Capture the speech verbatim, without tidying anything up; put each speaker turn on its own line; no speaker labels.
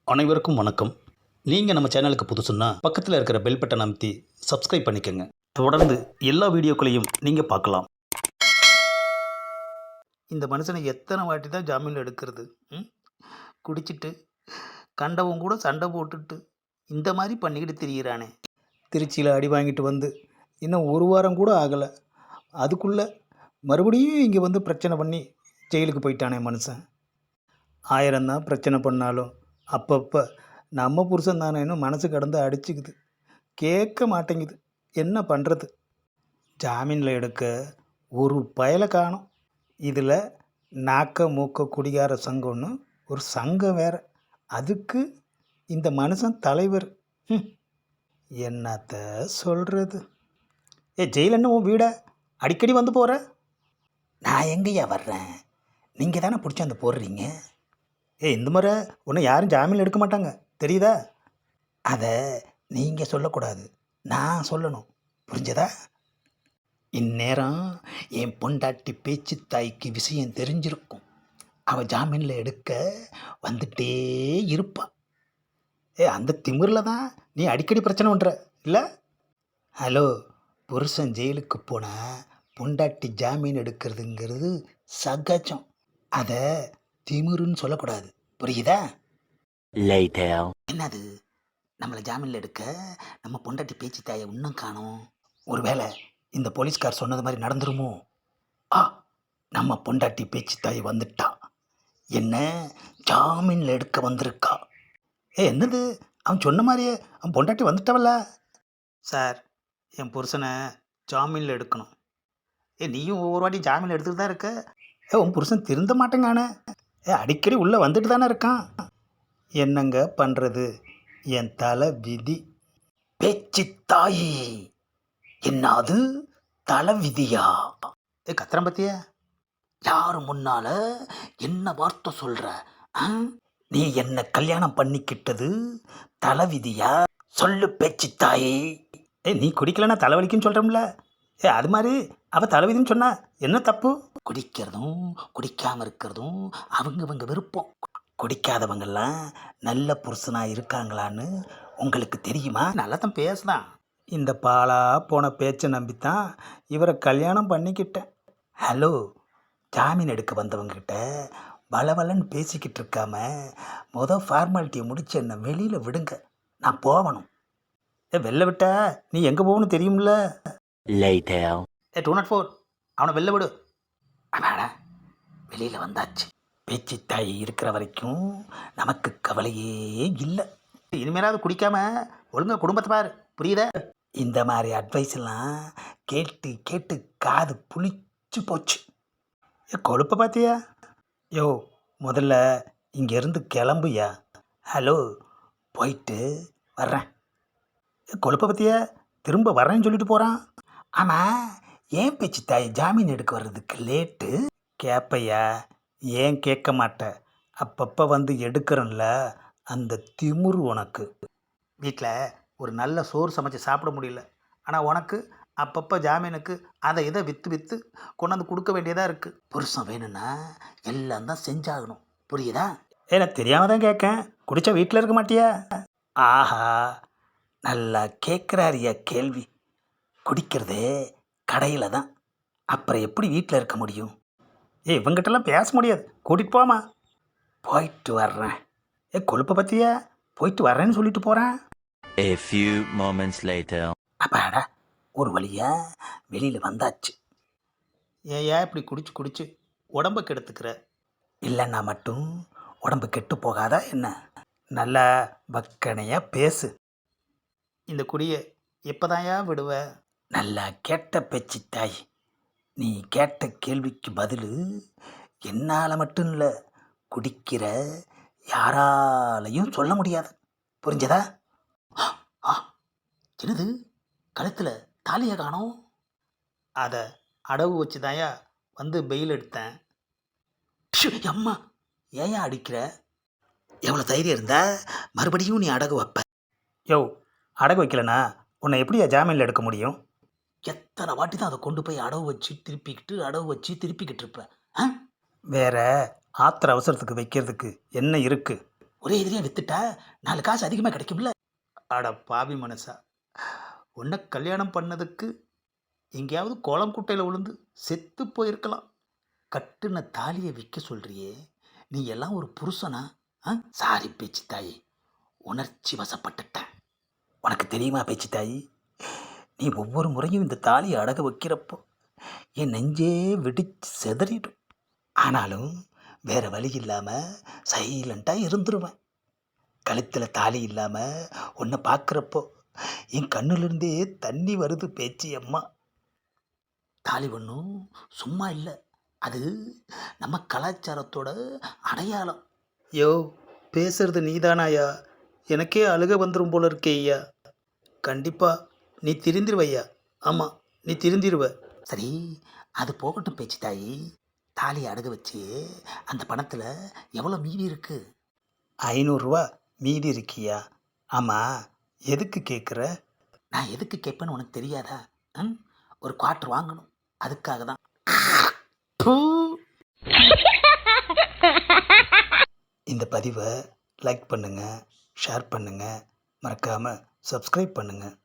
அனைவருக்கும் வணக்கம். நீங்கள் நம்ம சேனலுக்கு புதுசுன்னா பக்கத்தில் இருக்கிற பெல் பட்டனை அமைத்தி சப்ஸ்கிரைப் பண்ணிக்கோங்க. தொடர்ந்து எல்லா வீடியோக்களையும் நீங்கள் பார்க்கலாம். இந்த மனுஷனை எத்தனை வாட்டி தான் ஜாமீன் எடுக்கிறது? ம்? குடிச்சிட்டு கண்டவன் கூட சண்டை போட்டுட்டு இந்த மாதிரி பண்ணிக்கிட்டு திரியிறானே. திருச்சியில் அடி வாங்கிட்டு வந்து இன்னும் ஒரு வாரம் கூட ஆகலை, அதுக்குள்ளே மறுபடியும் இங்கே வந்து பிரச்சனை பண்ணி ஜெயிலுக்கு போயிட்டானே மனுஷன். ஆயிரம்தான் பிரச்சனை பண்ணாலும் அப்பப்போ நம்ம புருஷன் தானேன்னு மனசு கடந்து அடிச்சுக்குது, கேட்க மாட்டேங்குது. என்ன பண்ணுறது? ஜாமீனில் எடுக்க ஒரு பயலை காணும். இதில் நாக்க மூக்க குடிகார சங்கம்னு ஒரு சங்கம் வேறு, அதுக்கு இந்த மனுஷன் தலைவர். ம், என்னத்த சொல்கிறது? ஏ ஜெயிலன்னு உன் வீடை அடிக்கடி வந்து போகிற? நான் எங்கேயா வர்றேன்? நீங்கள் தானே பிடிச்சி அந்த போடுறீங்க. ஏ இந்த முறை ஒன்று யாரும் ஜாமீன் எடுக்க மாட்டாங்க, தெரியுதா? அதை நீங்கள் சொல்லக்கூடாது, நான் சொல்லணும், புரிஞ்சதா? இந்நேரம் என் பொண்டாட்டி பேச்சு தாய்க்கு விஷயம் தெரிஞ்சிருக்கும். அவள் ஜாமீனில் எடுக்க வந்துட்டே இருப்பாள். ஏ அந்த திமிரில் தான் நீ அடிக்கடி பிரச்சனை பண்ணுற இல்லை? ஹலோ, புருஷன் ஜெயிலுக்கு போனால் பொண்டாட்டி ஜாமீன் எடுக்கிறதுங்கிறது சகஜம். அதை திமிருன்னு சொல்லக்கூடாது, புரியுதா? என்னது, நம்மளை ஜாமீனில் எடுக்க நம்ம பொண்டாட்டி பேச்சு தாயை இன்னும் காணோம். ஒருவேளை இந்த போலீஸ்கார் சொன்னது மாதிரி நடந்துருமோ? ஆ, நம்ம பொண்டாட்டி பேச்சு தாய் வந்துட்டா, என்ன ஜாமீனில் எடுக்க வந்திருக்கா. ஏ என்னது, அவன் சொன்ன மாதிரியே அவன் பொண்டாட்டி வந்துட்டவல்ல. சார், என் புருஷனை ஜாமீனில் எடுக்கணும். ஏ நீயும் ஒவ்வொரு வாட்டி ஜாமீன் எடுத்துகிட்டு தான் இருக்க. ஏ உன் புருஷன் திருந்த மாட்டேங்கானே. ஏ அடிக்கடி உள்ளே வந்துட்டு தானே இருக்கான். என்னங்க பண்ணுறது, என் தலை விதி. பேச்சு தாயி, என்னது தலை விதியா? ஏ கத்திரம் பத்தியா? யாரு முன்னால என்ன வார்த்தை சொல்கிற? நீ என்ன கல்யாணம் பண்ணிக்கிட்டது தலை விதியா? சொல்லு பேச்சு தாயி. ஏ நீ குடிக்கலன்னா தலைவலிக்குன்னு சொல்கிறோம்ல. ஏ அது மாதிரி அவள் தலைவிதின்னு சொன்னா என்ன தப்பு? குடிக்கிறதும் குடிக்காமல் இருக்கிறதும் அவங்கவங்க விருப்பம். குடிக்காதவங்கெல்லாம் நல்ல புருஷனாக இருக்காங்களான்னு உங்களுக்கு தெரியுமா? நல்லா தான் பேசுதான். இந்த பாலா போன பேச்சை நம்பித்தான் இவரை கல்யாணம் பண்ணிக்கிட்டேன். ஹலோ, ஜாமீன் எடுக்க வந்தவங்ககிட்ட வளவலன்னு பேசிக்கிட்டு இருக்காம மொதல் ஃபார்மாலிட்டியை முடிச்சு என்னை வெளியில் விடுங்க, நான் போகணும். ஏ வெளில விட்டா நீ எங்கே போகணும் தெரியும்ல? ஏ டூ நாட் ஃபோர், அவனை வெளில விடு. அடாடா, வெளியில் வந்தாச்சு. பேச்சு தாய் இருக்கிற வரைக்கும் நமக்கு கவலையே இல்லை. இனிமேலாவது குடிக்காம ஒழுங்கா குடும்பத்தை பாரு, புரியுதா? இந்த மாதிரி அட்வைஸ் எல்லாம் கேட்டு கேட்டு காது புளிச்சு போச்சு. ஏ கொழுப்பை பார்த்தியா? யோ முதல்ல இங்கேருந்து கிளம்புயா. ஹலோ, போயிட்டு வர்றேன். கொழுப்பை பற்றியா திரும்ப வரேன்னு சொல்லிட்டு போகிறான். ஆமாம், ஏன் பேச்சு தாய் ஜாமீன் எடுக்க வர்றதுக்கு லேட்டு? கேட்பையா? ஏன் கேட்க மாட்டேன்? அப்பப்போ வந்து எடுக்கிறேன்ல, அந்த திமிரு உனக்கு. வீட்டில் ஒரு நல்ல சோறு சமைச்சு சாப்பிட முடியல, ஆனால் உனக்கு அப்பப்போ ஜாமீனுக்கு அதை இதை விற்று விற்று கொண்டாந்து கொடுக்க வேண்டியதாக இருக்குது. புருஷன் வேணும்னா எல்லாம் தான் செஞ்சாகணும், புரியுதா? ஏன்னா தெரியாமல் தான் கேட்கேன். குடித்தா வீட்டில் இருக்க மாட்டியா? ஆஹா, நல்லா கேட்குறாரியா கேள்வி. குடிக்கிறதே கடையில் தான், அப்புறம் எப்படி வீட்டில் இருக்க முடியும்? ஏ இவங்கிட்டலாம் பேச முடியாது, கூட்டிகிட்டு போமா. போயிட்டு வர்றேன். ஏ கொழுப்பை பற்றியா? போயிட்டு வர்றேன்னு சொல்லிட்டு போகிறேன்.
A few moments later.
அப்பாடா, ஒரு வழியா வெளியில் வந்தாச்சு. ஏயா இப்படி குடிச்சு குடிச்சு உடம்பை கெடுத்துக்கிற? இல்லைன்னா மட்டும் உடம்பு கெட்டு போகாதா என்ன? நல்லா வக்கனையாக பேசு. இந்த குடியை எப்போதாயா விடுவ? நல்லா கேட்ட பேச்சு தாய். நீ கேட்ட கேள்விக்கு பதில் என்னால் மட்டும் இல்லை, குடிக்கிற யாராலையும் சொல்ல முடியாது, புரிஞ்சதா? ஆ, என்னது கழுத்தில் தாலியை காணோம்? அதை அடவு வச்சு தாயா வந்து பெயில் எடுத்தேன். ஷு, அம்மா ஏயா அடிக்கிற? எவ்வளோ தைரியம் இருந்தா மறுபடியும் நீ அடகு வைப்ப? யோ, அடகு வைக்கலனா உன்னை எப்படியா ஜாமீனில் எடுக்க முடியும்? எத்தனை வாட்டி தான் அதை கொண்டு போய் அடவு வச்சு திருப்பிக்கிட்டு அடவு வச்சு திருப்பிக்கிட்டு இருப்பேன். ஆ, வேற ஆத்திர அவசரத்துக்கு வைக்கிறதுக்கு என்ன இருக்குது? ஒரே எதிரியாக வித்துட்டா நாலு காசு அதிகமாக கிடைக்கும்ல. அட பாவி மனசா, உன்னை கல்யாணம் பண்ணதுக்கு எங்கேயாவது கோலம் குட்டையில் விழுந்து செத்து போயிருக்கலாம். கட்டுன தாலியை விற்க சொல்றியே, நீ எல்லாம் ஒரு புருஷனா? ஆ சாரி பேச்சு தாயி, உணர்ச்சி வசப்பட்டுட்டேன். உனக்கு தெரியுமா பேச்சு தாயி, நீ ஒவ்வொரு முறையும் இந்த தாலியை அடக வைக்கிறப்போ என் நெஞ்சே வெடிச்சு செதறிடும். ஆனாலும் வேற வழி இல்லாமல் சைலண்ட்டாக இருந்துருவேன். கழுத்தில் தாலி இல்லாமல் உன்னை பார்க்குறப்போ என் கண்ணுலேருந்தே தண்ணி வருது பேச்சு அம்மா. தாலி ஒன்றும் சும்மா இல்லை, அது நம்ம கலாச்சாரத்தோட அடையாளம். யோ பேசுறது நீதானாயா? எனக்கே அழுக வந்துடும் போல இருக்கே ஐயா. கண்டிப்பாக நீ திருந்திருவையா. ஆமாம், நீ திருந்திருவ. சரி, அது போகட்டும் பேச்சு தாயி. தாலியை அடகு வச்சு அந்த பணத்தில் எவ்வளோ மீதி இருக்கு? ஐநூறுரூவா மீதி இருக்கியா? ஆமாம், எதுக்கு கேட்குற? நான் எதுக்கு கேட்பேன்னு உனக்கு தெரியாதா? ம் ஒரு குவார்ட்டர் வாங்கணும், அதுக்காக தான். இந்த பதிவை லைக் பண்ணுங்கள், ஷேர் பண்ணுங்கள், மறக்காமல் சப்ஸ்கிரைப் பண்ணுங்கள்.